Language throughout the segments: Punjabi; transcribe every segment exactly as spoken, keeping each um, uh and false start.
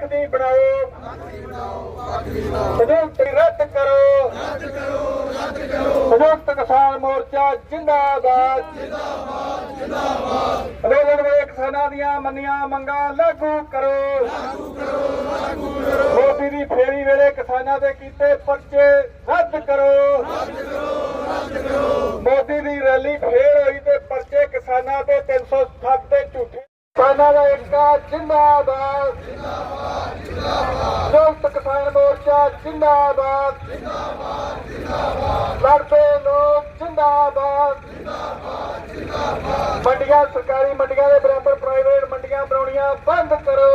दी बनाओ संयुक्त रद्द करो संयुक्त किसान मोर्चा जिंदाबाद अंदोलन में किसानां दियां मन्नियां मंगां लागू करो मोदी दी फेरी वेले किसानां दे कीते पर्चे रद्द करो मोदी दी रैली फेर होई ते पर्चे किसानां दे तीन सौ सत्त ते झूठे किसानां दा एकता जिंदाबाद संयुक्त किसान मोर्चा जिंदाबाद लड़ते लोग जिंदाबाद मंडियां सरकारी मंडियां के बराबर प्राइवेट मंडियां बनाउणियां बंद करो।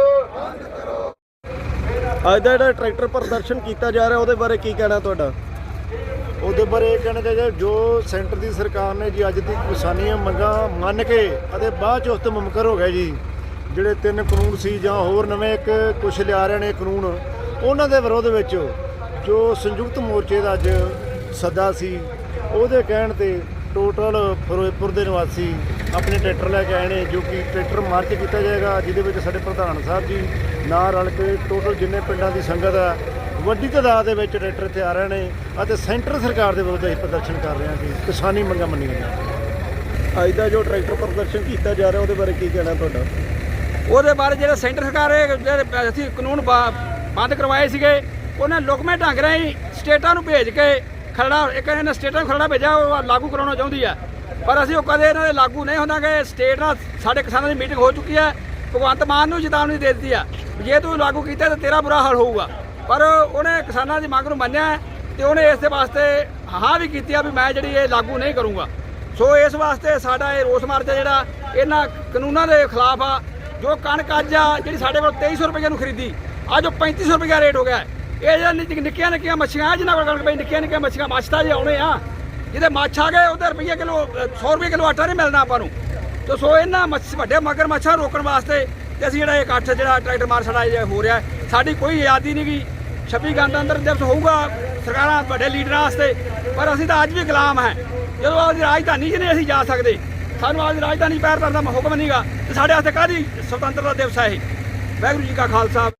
ਅੱਜ ਦਾ ਜਿਹੜਾ ਟਰੈਕਟਰ ਪ੍ਰਦਰਸ਼ਨ ਕੀਤਾ ਜਾ ਰਿਹਾ ਉਹਦੇ ਬਾਰੇ ਕੀ ਕਹਿਣਾ ਤੁਹਾਡਾ? ਉਹਦੇ ਬਾਰੇ ਇਹ ਕਹਿਣਾ ਚਾਹੀਦਾ ਜੋ ਸੈਂਟਰ ਦੀ ਸਰਕਾਰ ਨੇ ਜੀ ਅੱਜ ਦੀ ਕਿਸਾਨੀਆਂ ਮੰਗਾਂ ਮੰਨ ਕੇ ਅਤੇ ਬਾਅਦ 'ਚ ਉਸ ਤੋਂ ਮੁਮਕਰ ਹੋ ਗਿਆ ਜੀ ਜਿਹੜੇ ਤਿੰਨ ਕਾਨੂੰਨ ਸੀ ਜਾਂ ਹੋਰ ਨਵੇਂ ਇੱਕ ਕੁਛ ਲਿਆ ਰਹੇ ਨੇ ਕਾਨੂੰਨ ਉਹਨਾਂ ਦੇ ਵਿਰੋਧ ਵਿੱਚ ਜੋ ਸੰਯੁਕਤ ਮੋਰਚੇ ਦਾ ਅੱਜ ਸੱਦਾ ਸੀ ਉਹਦੇ ਕਹਿਣ ਤੇ ਟੋਟਲ ਫਿਰੋਜ਼ਪੁਰ ਦੇ ਨਿਵਾਸੀ ਆਪਣੇ ਟਰੈਕਟਰ ਲੈ ਕੇ ਆਏ ਨੇ ਜੋ ਕਿ ਟਰੈਕਟਰ ਮਾਰਚ ਕੀਤਾ ਜਾਏਗਾ ਜਿਹਦੇ ਵਿੱਚ ਸਾਡੇ ਪ੍ਰਧਾਨ ਸਾਹਿਬ ਜੀ ਨਾਲ ਰਲ ਕੇ ਟੋਟਲ ਜਿੰਨੇ ਪਿੰਡਾਂ ਦੀ ਸੰਗਤ ਆ ਵੱਡੀ ਤਾਦਾਦ ਦੇ ਵਿੱਚ ਟਰੈਕਟਰ ਇੱਥੇ ਆ ਰਹੇ ਨੇ ਅਤੇ ਸੈਂਟਰ ਸਰਕਾਰ ਦੇ ਵਿਰੁੱਧ ਅਸੀਂ ਪ੍ਰਦਰਸ਼ਨ ਕਰ ਰਹੇ ਹਾਂ ਕਿ ਕਿਸਾਨੀ ਮੰਗਾਂ ਮੰਨੀਆਂ ਜਾਣ। ਅੱਜ ਦਾ ਜੋ ਟਰੈਕਟਰ ਪ੍ਰਦਰਸ਼ਨ ਕੀਤਾ ਜਾ ਰਿਹਾ ਉਹਦੇ ਬਾਰੇ ਕੀ ਕਹਿਣਾ ਤੁਹਾਡਾ? ਉਹਦੇ ਬਾਰੇ ਜਿਹੜਾ ਸੈਂਟਰ ਸਰਕਾਰ ਹੈ ਜਿਹੜੇ ਅਸੀਂ ਕਾਨੂੰਨ ਬੰਦ ਕਰਵਾਏ ਸੀਗੇ ਉਹਨਾਂ ਲੁਕਵੇਂ ਢੰਗ ਰਾਹੀਂ ਸਟੇਟਾਂ ਨੂੰ ਭੇਜ ਕੇ ਖਰੜਾ ਇੱਕ ਇਹਨਾਂ ਸਟੇਟਾਂ ਨੂੰ ਖਰੜਾ ਭੇਜਿਆ ਉਹ ਲਾਗੂ ਕਰਾਉਣਾ ਚਾਹੁੰਦੀ ਹੈ ਪਰ ਅਸੀਂ ਉਹ ਕਦੇ ਇਹਨਾਂ ਦੇ ਲਾਗੂ ਨਹੀਂ ਹੁੰਦਾਗੇ। ਸਟੇਟ ਨਾਲ ਸਾਡੇ ਕਿਸਾਨਾਂ ਦੀ ਮੀਟਿੰਗ ਹੋ ਚੁੱਕੀ ਹੈ। ਭਗਵੰਤ ਮਾਨ ਨੂੰ ਚੇਤਾਵਨੀ ਦੇ ਦਿੱਤੀ ਆ ਜੇ ਤੂੰ ਲਾਗੂ ਕੀਤਾ ਤਾਂ ਤੇਰਾ ਬੁਰਾ ਹਾਲ ਹੋਊਗਾ ਪਰ ਉਹਨੇ ਕਿਸਾਨਾਂ ਦੀ ਮੰਗ ਨੂੰ ਮੰਨਿਆ ਤੇ ਉਹਨੇ ਇਸ ਦੇ ਵਾਸਤੇ ਹਾਂ ਵੀ ਕੀਤੀ ਆ ਵੀ ਮੈਂ ਜਿਹੜੀ ਇਹ ਲਾਗੂ ਨਹੀਂ ਕਰੂੰਗਾ। ਸੋ ਇਸ ਵਾਸਤੇ ਸਾਡਾ ਇਹ ਰੋਸ ਮਾਰਚ ਜਿਹੜਾ ਇਹਨਾਂ ਕਾਨੂੰਨਾਂ ਦੇ ਖਿਲਾਫ ਆ। ਜੋ ਕਣਕ ਅੱਜ ਆ ਜਿਹੜੀ ਸਾਡੇ ਕੋਲ ਤੇਈ ਸੌ ਰੁਪਏ ਨੂੰ ਖਰੀਦੀ ਅੱਜ ਉਹ ਪੈਂਤੀ ਸੌ ਰੁਪਏ ਰੇਟ ਹੋ ਗਿਆ। ਇਹ ਜਿਹੜਾ ਨਿੱਕੀਆਂ ਨਿੱਕੀਆਂ ਮੱਛੀਆਂ ਜਿਹਨਾਂ ਕੋਲ ਕਣਕ ਪਈ ਨਿੱਕੀਆਂ ਨਿੱਕੀਆਂ ਮੱਛੀਆਂ ਮੱਛ ਤਾਂ ਜੇ ਆਉਣੇ ਆ ਜਿਹਦੇ ਮੱਛ ਆ ਗਏ ਉਹਦੇ ਰੁਪਈਏ ਕਿਲੋ ਸੌ ਰੁਪਏ ਕਿਲੋ ਆਟਾ ਨਹੀਂ ਮਿਲਣਾ ਆਪਾਂ ਨੂੰ। ਤੇ ਸੋ ਇਹਨਾਂ ਮੱਛ ਵੱਡੇ ਮਗਰ ਮੱਛਾਂ ਰੋਕਣ ਵਾਸਤੇ ਤੇ ਅਸੀਂ ਜਿਹੜਾ ਇਹ ਇਕੱਠ ਜਿਹੜਾ ਟਰੈਕਟਰ ਮਾਰ ਸਾਡਾ ਇਹ ਹੋ ਰਿਹਾ ਸਾਡੀ ਕੋਈ ਆਜ਼ਾਦੀ ਨਹੀਂ ਗੀ। ਛੱਬੀ ਗਣਤੰਤਰ ਦਿਵਸ ਹੋਊਗਾ ਸਰਕਾਰਾਂ ਵੱਡੇ ਲੀਡਰਾਂ ਵਾਸਤੇ ਪਰ ਅਸੀਂ ਤਾਂ ਅੱਜ ਵੀ ਗੁਲਾਮ ਹੈ। ਜਦੋਂ ਆਪਦੀ ਰਾਜਧਾਨੀ 'ਚ ਨਹੀਂ ਅਸੀਂ ਜਾ ਸਕਦੇ ਸਾਨੂੰ ਆਪਦੀ ਰਾਜਧਾਨੀ ਪੈਰ ਧਰਨ ਦਾ ਹੁਕਮ ਨਹੀਂਗਾ ਤੇ ਸਾਡੇ ਵਾਸਤੇ ਕਾਹਦੀ ਸੁਤੰਤਰਤਾ ਦਿਵਸ ਹੈ ਇਹ। ਵਾਹਿਗੁਰੂ ਜੀ ਕਾ ਖਾਲਸਾ।